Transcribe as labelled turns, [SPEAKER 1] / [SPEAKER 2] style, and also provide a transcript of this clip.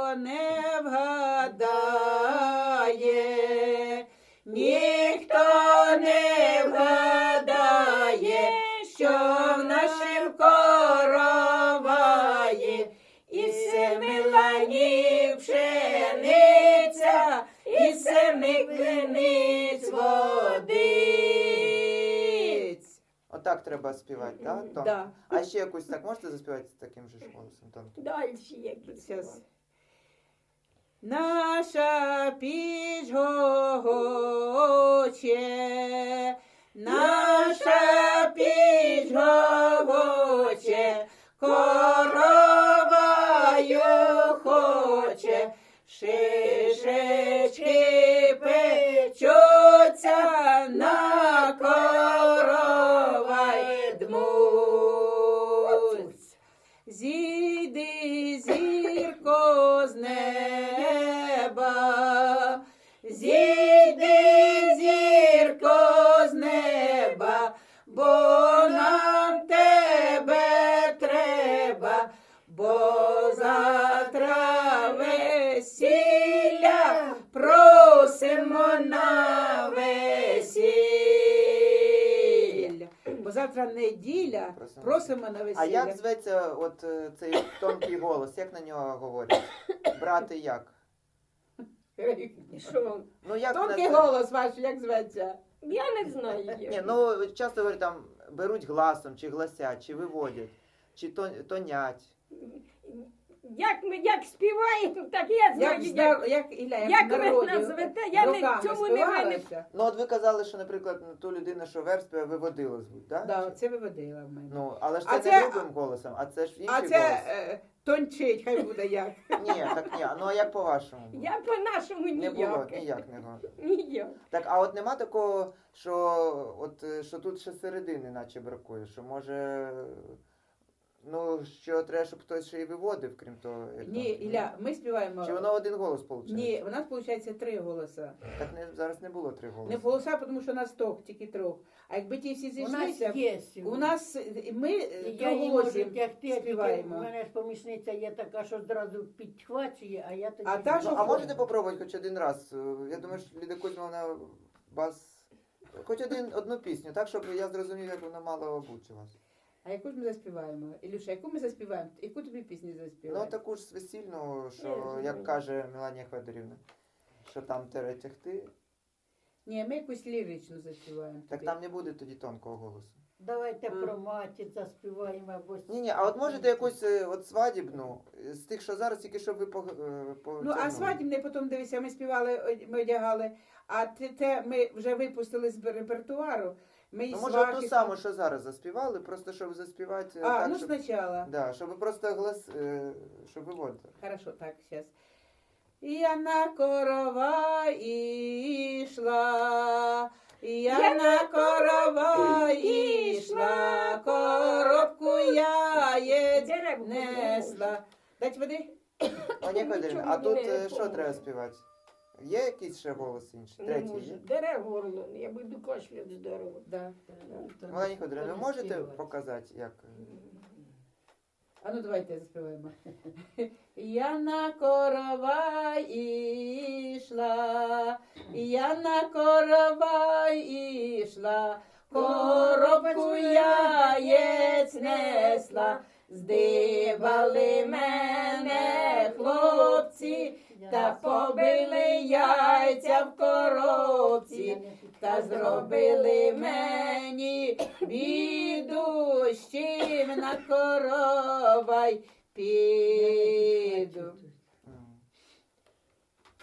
[SPEAKER 1] не вгадає, ніхто не вгадає, що в нашім короваї і семи ланів пшениця, і семи криниць водиць.
[SPEAKER 2] Отак треба співати, так? Да?
[SPEAKER 1] Да.
[SPEAKER 2] А ще якусь так можете заспівати з таким же ж голосом тонким?
[SPEAKER 3] Дальше якісь.
[SPEAKER 1] Щас. Наша піч гогоче, наша піч гогоче, короваю хоче, шишечки печуться, на коровай дмуть. Зійди, зірко, з неба, зійди, зірко, з неба, бо нам тебе треба, бо завтра весілля просимо на весілля. Бо завтра неділя, просимо на весілля.
[SPEAKER 2] А як зветься от цей тонкий голос? Як на нього говорять? Брати як?
[SPEAKER 3] Що?
[SPEAKER 2] Ну, як
[SPEAKER 1] Тонкий
[SPEAKER 2] на це?
[SPEAKER 1] голос ваш, як зветься?
[SPEAKER 3] Я не знаю.
[SPEAKER 2] Ні, ну часто говорять там беруть гласом, чи гласять, чи виводять, чи тонять.
[SPEAKER 3] Як співаємо, так я знаю. Як ви назвете, я не цьому не винен.
[SPEAKER 2] Ну от ви казали, що, наприклад, ту людину, що верб співає, виводила звуть, так?
[SPEAKER 1] Да, це виводила в мене.
[SPEAKER 2] Ну, але ж
[SPEAKER 1] А
[SPEAKER 2] це
[SPEAKER 1] це-
[SPEAKER 2] не грубим голосом, а це ж інший
[SPEAKER 1] А це
[SPEAKER 2] голос.
[SPEAKER 1] тончить, хай буде як.
[SPEAKER 2] Ні, так ні. Ну а як по-вашому?
[SPEAKER 3] Я по-нашому
[SPEAKER 2] Не було,
[SPEAKER 3] ніяк.
[SPEAKER 2] ніяк не було.
[SPEAKER 3] Ніяк.
[SPEAKER 2] Так, а от нема такого, що от що тут ще середини наче бракує, що може, ну, що треба, щоб хтось ще й виводив, крім того. як
[SPEAKER 1] Ні,
[SPEAKER 2] там,
[SPEAKER 1] Ілля, ми співаємо.
[SPEAKER 2] Чи воно один голос виходить?
[SPEAKER 1] Ні, у нас виходить 3 голоса.
[SPEAKER 2] Так зараз не було 3 голоси.
[SPEAKER 1] Не голоса, тому що нас тільки 3. А якби ті всі
[SPEAKER 4] У нас
[SPEAKER 1] зійшлися,
[SPEAKER 4] є.
[SPEAKER 1] у нас ми
[SPEAKER 4] Я не можу
[SPEAKER 1] голосів
[SPEAKER 4] тягти, тільки
[SPEAKER 1] співаємо.
[SPEAKER 4] в мене ж помічниця є така, що одразу підхвачує, а я тоді...
[SPEAKER 1] А та,
[SPEAKER 2] Ну,
[SPEAKER 1] що
[SPEAKER 2] а можете попробувати хоч один раз? Я думаю, що Ліда Кузьмовна вас... Хоч одну пісню, так, щоб я зрозумів, як вона мало бути у вас.
[SPEAKER 1] А яку ж ми заспіваємо? Ілюша, яку ми заспіваємо? Яку тобі пісню
[SPEAKER 2] Ну,
[SPEAKER 1] заспіваємо?
[SPEAKER 2] таку ж весільну,
[SPEAKER 3] Я
[SPEAKER 2] що,
[SPEAKER 3] розумію.
[SPEAKER 2] як каже Меланія Федорівна, що там тере тягти,
[SPEAKER 1] Ні, ми якусь ліричну заспіваємо.
[SPEAKER 2] так
[SPEAKER 1] тобі.
[SPEAKER 2] там не буде тоді тонкого голосу.
[SPEAKER 4] Давайте
[SPEAKER 1] А.
[SPEAKER 4] про матір заспіваємо або...
[SPEAKER 2] Ні, а от можете якусь от свадібну, з тих, що зараз, тільки щоб ви
[SPEAKER 1] Ну, а свадібне потім, дивися, ми співали, ми одягали, а те ми вже випустили з репертуару. Ми і
[SPEAKER 2] Ну, може,
[SPEAKER 1] свахи...
[SPEAKER 2] ту саму, що зараз заспівали, просто щоб заспівати
[SPEAKER 1] А,
[SPEAKER 2] так,
[SPEAKER 1] ну
[SPEAKER 2] щоб...
[SPEAKER 1] спочатку.
[SPEAKER 2] Да, щоб просто щоб виводити.
[SPEAKER 1] Хорошо, так, сейчас. Я на корова ішла, я на корова ішла, коробку яєць
[SPEAKER 3] Дерев
[SPEAKER 1] несла. Дать води?
[SPEAKER 2] Пані Федорівна,
[SPEAKER 3] Нічого
[SPEAKER 2] а тут
[SPEAKER 3] мені не
[SPEAKER 2] що
[SPEAKER 3] поможе.
[SPEAKER 2] треба співати? Є якийсь ще голос інший?
[SPEAKER 3] Не
[SPEAKER 2] Третій
[SPEAKER 3] можу.
[SPEAKER 2] є?
[SPEAKER 3] Дере горло, я буду кашляти здорово.
[SPEAKER 1] Да.
[SPEAKER 2] Пані Федорівна, ви можете показати, як?
[SPEAKER 1] А ну давайте заспіваємо. Я на корова ішла, я на корова ішла, коробку яєць несла, здивали мене хлопці, та побили яйця в коробці, та зробили мені біду, з чим на коровай піду.